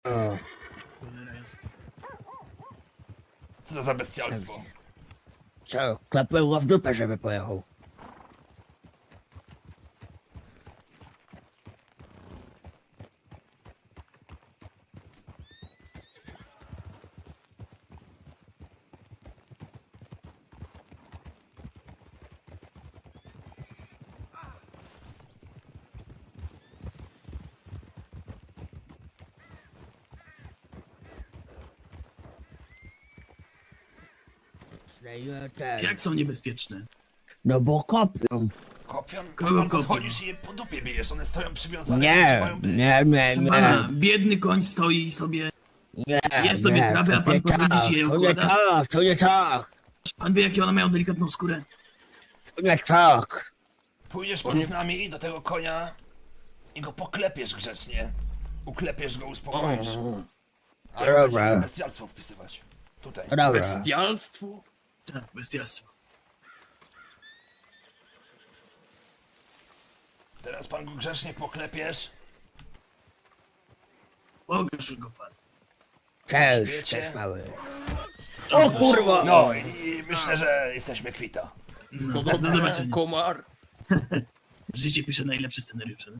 O, Cholera jasna. Co to za bestialstwo? co? Klapłem go w dupę, żeby pojechał. Jak są niebezpieczne? No bo kopią. Kopią? Kogo Pan kopią? podchodzisz i je po dupie bijesz, one stoją przywiązane. Nie, mają być. nie, Pana, biedny koń stoi sobie. nie. Jest sobie trawę, a pan podchodzisz i je to nie układa? tak, to nie tak, Pan wie, jakie one mają delikatną skórę? to nie tak. Pójdziesz pan z nami do tego konia i go poklepiesz grzecznie. Uklepiesz go, uspokoisz. Ale Dobra. będziemy bestialstwo wpisywać. Tutaj. Dobra, Bestialstwo? Tak, bestialstwo. Teraz pan go grzecznie poklepiesz. Pokaż go pan. cześć, Wiecie? cześć mały. O kurwa! No i myślę, że jesteśmy kwita. No, do zobaczenia. Komar. Życie pisze najlepsze scenariusze.